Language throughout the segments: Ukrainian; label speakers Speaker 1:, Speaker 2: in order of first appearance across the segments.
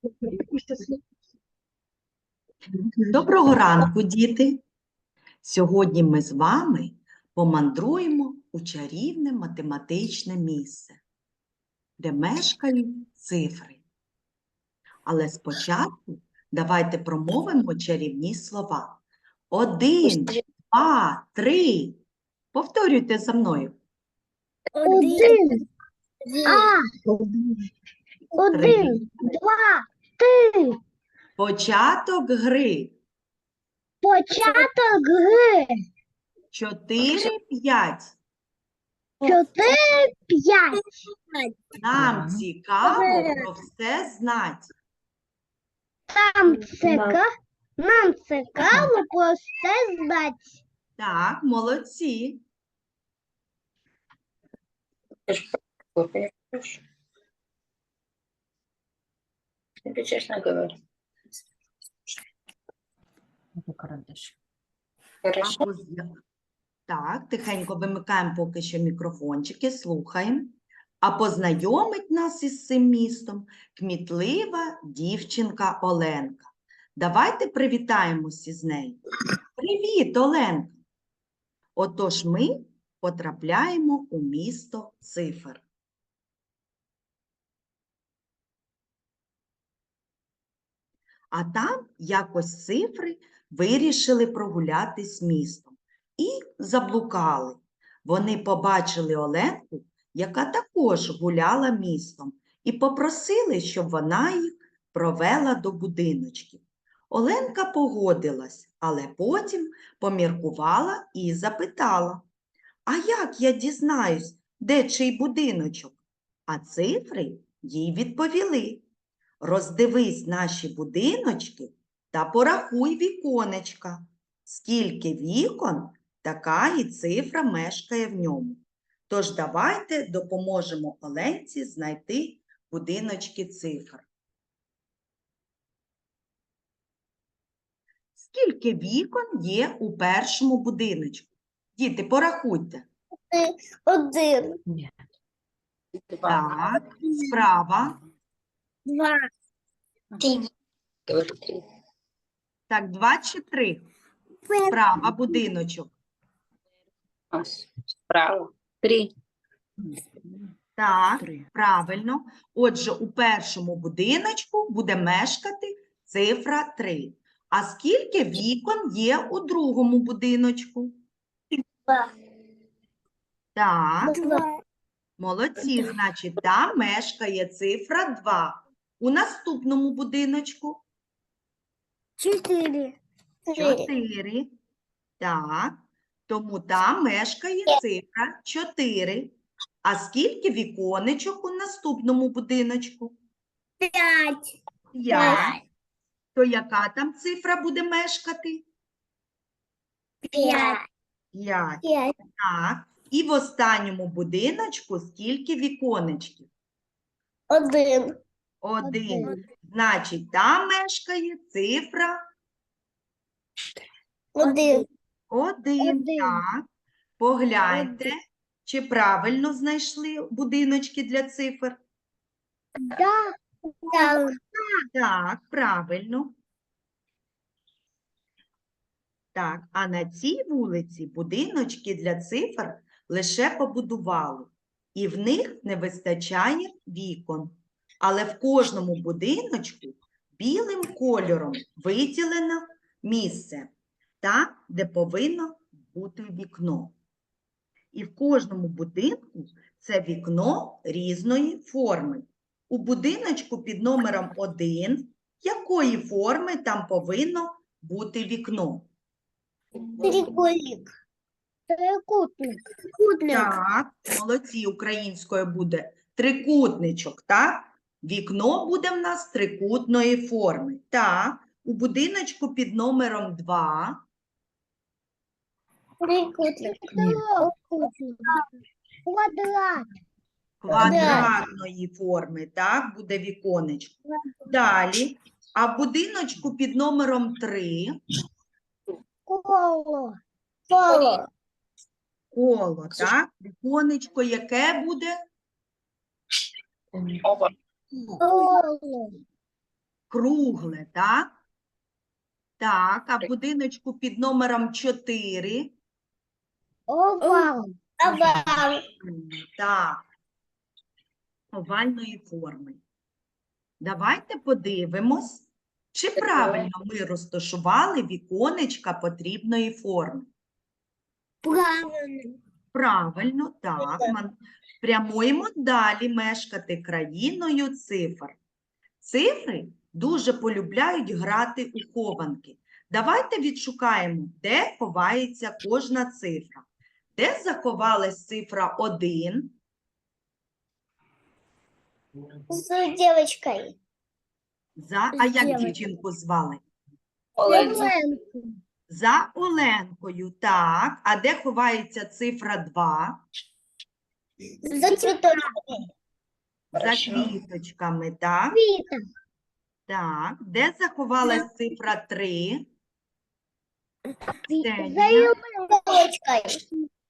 Speaker 1: Доброго ранку, діти! Сьогодні ми з вами помандруємо у чарівне математичне місце, де мешкають цифри. Але спочатку давайте промовимо чарівні слова. 1, 2, 3. Повторюйте за мною.
Speaker 2: 1, 1, 2, 3.
Speaker 1: Початок гри.
Speaker 2: Початок гри.
Speaker 1: 4, 5.
Speaker 2: 4, 5.
Speaker 1: Нам цікаво про все знати.
Speaker 2: Нам цікаво про все знати.
Speaker 1: Так, молодці.
Speaker 3: Тебе честно говорю. Хорошо.
Speaker 1: Так, тихенько вимикаємо поки що мікрофончики, слухаємо. А познайомить нас із цим містом кмітлива дівчинка Оленка. Давайте привітаємося з нею. Привіт, Оленка! Отож ми потрапляємо у місто цифр. А там якось цифри вирішили прогулятись містом і заблукали. Вони побачили Оленку, яка також гуляла містом, і попросили, щоб вона їх провела до будиночків. Оленка погодилась, але потім поміркувала і запитала: «А як я дізнаюсь, де чий будиночок?» А цифри їй відповіли: «Роздивись наші будиночки та порахуй віконечка. Скільки вікон, така і цифра мешкає в ньому. Тож давайте допоможемо Оленці знайти будиночки цифр». Скільки вікон є у першому будиночку? Діти, порахуйте.
Speaker 2: 1,
Speaker 1: Так, справа.
Speaker 2: 2,
Speaker 3: 3. Говори 3.
Speaker 1: Так, 2 чи 3? Справа будиночок.
Speaker 3: Справа. 3.
Speaker 1: Так, правильно. Отже, у першому будиночку буде мешкати цифра 3. А скільки вікон є у другому будиночку?
Speaker 2: 2.
Speaker 1: Так, молодці, значить, там мешкає цифра 2. У наступному будиночку?
Speaker 2: 4.
Speaker 1: 4. Так, тому там мешкає цифра 4. А скільки віконечок у наступному будиночку?
Speaker 2: 5.
Speaker 1: 5. То яка там цифра буде мешкати?
Speaker 2: 5.
Speaker 1: 5.
Speaker 2: 5.
Speaker 1: Так. І в останньому будиночку скільки віконечків?
Speaker 2: 1.
Speaker 1: 1. Значить, там мешкає цифра
Speaker 2: 1.
Speaker 1: 1. Так. Погляньте, чи правильно знайшли будиночки для цифр?
Speaker 2: Да.
Speaker 1: Так, правильно. Так, а на цій вулиці будиночки для цифр лише побудували, і в них не вистачає вікон. Але в кожному будиночку білим кольором виділено місце, там, де повинно бути вікно. І в кожному будинку це вікно різної форми. У будиночку під номером 1 якої форми там повинно бути вікно?
Speaker 2: Трикутник. Трикутник.
Speaker 1: Так, молодці, українською буде трикутничок, так? Вікно буде в нас трикутної форми. Так, у будиночку під номером 2.
Speaker 2: Трикутник. Квадрат.
Speaker 1: Квадратної форми, так, буде віконечко. Далі, а в будиночку під номером 3
Speaker 2: Коло.
Speaker 1: коло, так, віконечко яке буде?
Speaker 3: Оба.
Speaker 2: Коло.
Speaker 1: кругле, так? Так, а в будиночку під номером 4?
Speaker 2: Овал.
Speaker 3: Овал.
Speaker 1: Так, овальної форми. Давайте подивимось, чи правильно ми розташували віконечка потрібної форми.
Speaker 2: Правильно.
Speaker 1: Правильно, так. Прямуємо далі мешкати країною цифр. Цифри дуже полюбляють грати у хованки. Давайте відшукаємо, де ховається кожна цифра. Де заховалась цифра 1?
Speaker 2: С девочкой.
Speaker 1: А як
Speaker 2: Зліва.
Speaker 1: дівчинку звали?
Speaker 3: Оленка.
Speaker 1: За Оленкою, так. А де ховається цифра 2?
Speaker 2: За цветочками.
Speaker 1: За
Speaker 3: Хорошо.
Speaker 1: квіточками, так?
Speaker 2: Вита.
Speaker 1: Так. Де заховалась цифра 3?
Speaker 2: За
Speaker 1: Ксенія.
Speaker 2: елочкой.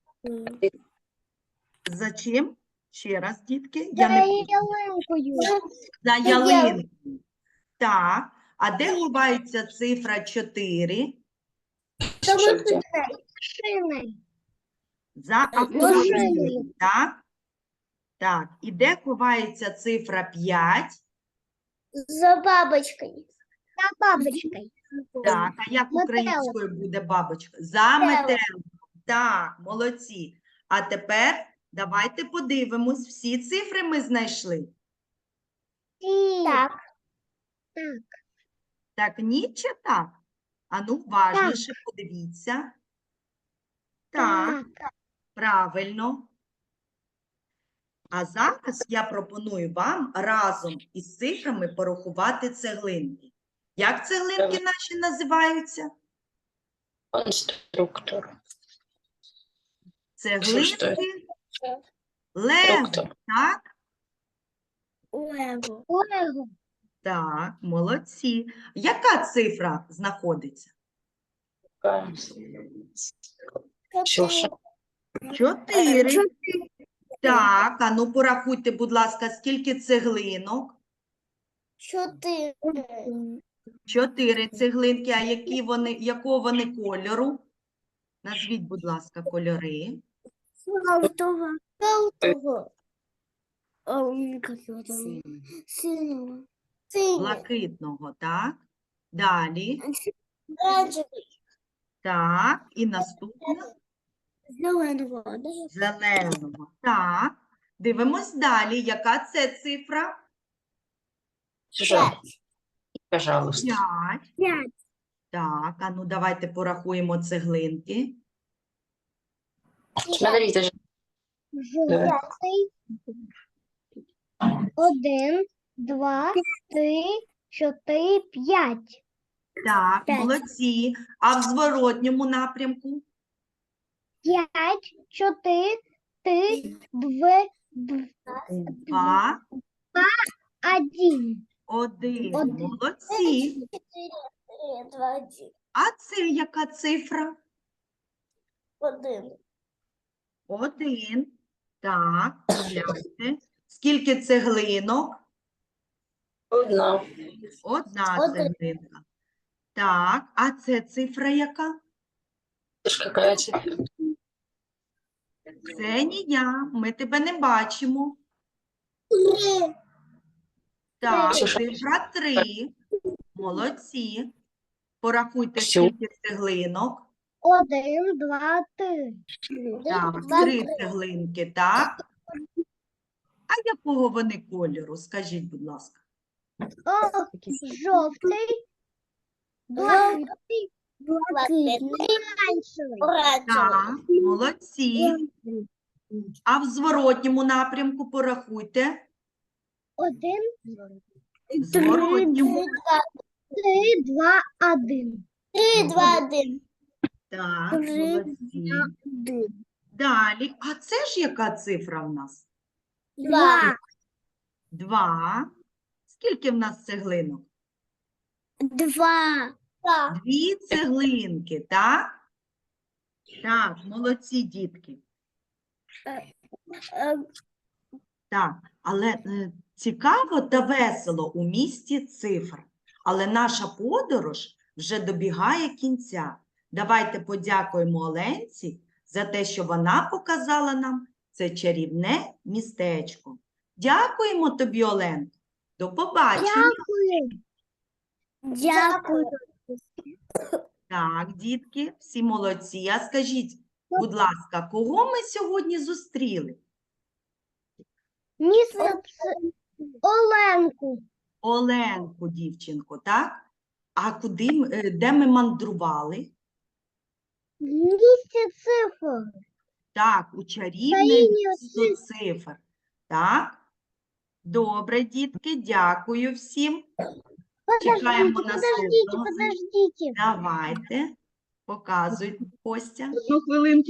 Speaker 1: За чим? Ще раз, дітки.
Speaker 2: За
Speaker 1: Я не почула.
Speaker 2: ялинкою.
Speaker 1: За ялинкою. Так. А де ховається цифра 4?
Speaker 2: За
Speaker 3: Що де?
Speaker 2: машиною.
Speaker 1: За автомобілем, так? Так. І де ховається цифра 5?
Speaker 2: За бабочкой. За бабочкой.
Speaker 1: Так. А як
Speaker 2: Метелик.
Speaker 1: українською буде бабочка? За
Speaker 2: Метелик.
Speaker 1: метеликом. Так, молодці. А тепер давайте подивимось. Всі цифри ми знайшли.
Speaker 2: Так.
Speaker 1: Так, ні чи так? Ану, уважніше подивіться. Так, правильно. А зараз я пропоную вам разом із цифрами порахувати цеглинки. Як цеглинки наші називаються?
Speaker 3: Конструктор.
Speaker 1: Цеглинки Лего,
Speaker 3: Конструктор.
Speaker 1: так?
Speaker 2: Лего.
Speaker 1: Так, молодці. Яка цифра знаходиться?
Speaker 3: Ксюша.
Speaker 1: 4. Так, а ну порахуйте, будь ласка, скільки цеглинок?
Speaker 2: 4.
Speaker 1: 4 цеглинки, а якого вони кольору? Назвіть, будь ласка, кольори.
Speaker 2: Желтого. Желтого. Синего. Синего.
Speaker 1: Блакитного, так? Далі.
Speaker 2: Оранжевый.
Speaker 1: Так, і наступне
Speaker 2: Зеленого.
Speaker 1: зеленого. Так. Дивимось далі. Яка це цифра?
Speaker 3: Жаль. Пожалуйста.
Speaker 1: 5. Так, а ну давайте порахуємо цеглинки.
Speaker 3: Смотрите,
Speaker 2: Жовтий. 1, 2, 3, 4, 5.
Speaker 1: Так,
Speaker 2: 5.
Speaker 1: молодці. А в зворотньому напрямку?
Speaker 2: 5, 4, 3, 2,
Speaker 1: 2,
Speaker 2: 1.
Speaker 1: 1.
Speaker 2: Один.
Speaker 1: Молодці.
Speaker 2: 4, 2, 1.
Speaker 1: А це яка цифра?
Speaker 2: 1.
Speaker 1: 1. Так, гляньте. Скільки цеглинок?
Speaker 3: одна.
Speaker 1: Одна
Speaker 2: Один.
Speaker 1: цеглинка. Так, а це цифра яка?
Speaker 3: Это ж какая цифра?
Speaker 1: Ксенія, ми тебе не бачимо. Так,
Speaker 3: Ксюша.
Speaker 1: цифра 3. Молодці. Порахуйте,
Speaker 3: Ксю.
Speaker 1: скільки цеглинок.
Speaker 2: 1, 2, 3.
Speaker 1: Так, 3 цеглинки, так. А якого вони кольору? Скажіть, будь ласка.
Speaker 2: Жовтий, блакитний, оранжевий.
Speaker 1: Так, молодці. А в зворотньому напрямку порахуйте.
Speaker 2: 1,
Speaker 1: В зворотньому.
Speaker 2: 3, 2, 1. 3, 2, 1.
Speaker 1: Так,
Speaker 2: Три,
Speaker 1: молодці. Далі. А це ж яка цифра в нас?
Speaker 2: 2.
Speaker 1: 2. Скільки в нас цеглинок?
Speaker 2: 2.
Speaker 1: 2 цеглинки, так? Так, молодці, дітки. Так, але цікаво та весело у місті цифр. Але наша подорож вже добігає кінця. Давайте подякуємо Оленці за те, що вона показала нам це чарівне містечко. Дякуємо тобі, Оленко. До побачення.
Speaker 2: Дякую.
Speaker 1: Так, дітки, всі молодці. А скажіть, будь ласка, кого ми сьогодні зустріли?
Speaker 2: Міс Оленку.
Speaker 1: Оленку, дівчинку, так? А де ми мандрували?
Speaker 2: Місце цифр.
Speaker 1: Так, у чарівне
Speaker 2: Країні
Speaker 1: місто цифр. Так? Добре, дітки, дякую всім. Чекаємо наступного.
Speaker 2: Подождите.
Speaker 1: Давайте, показуй, Костя.
Speaker 4: Одну хвилинку.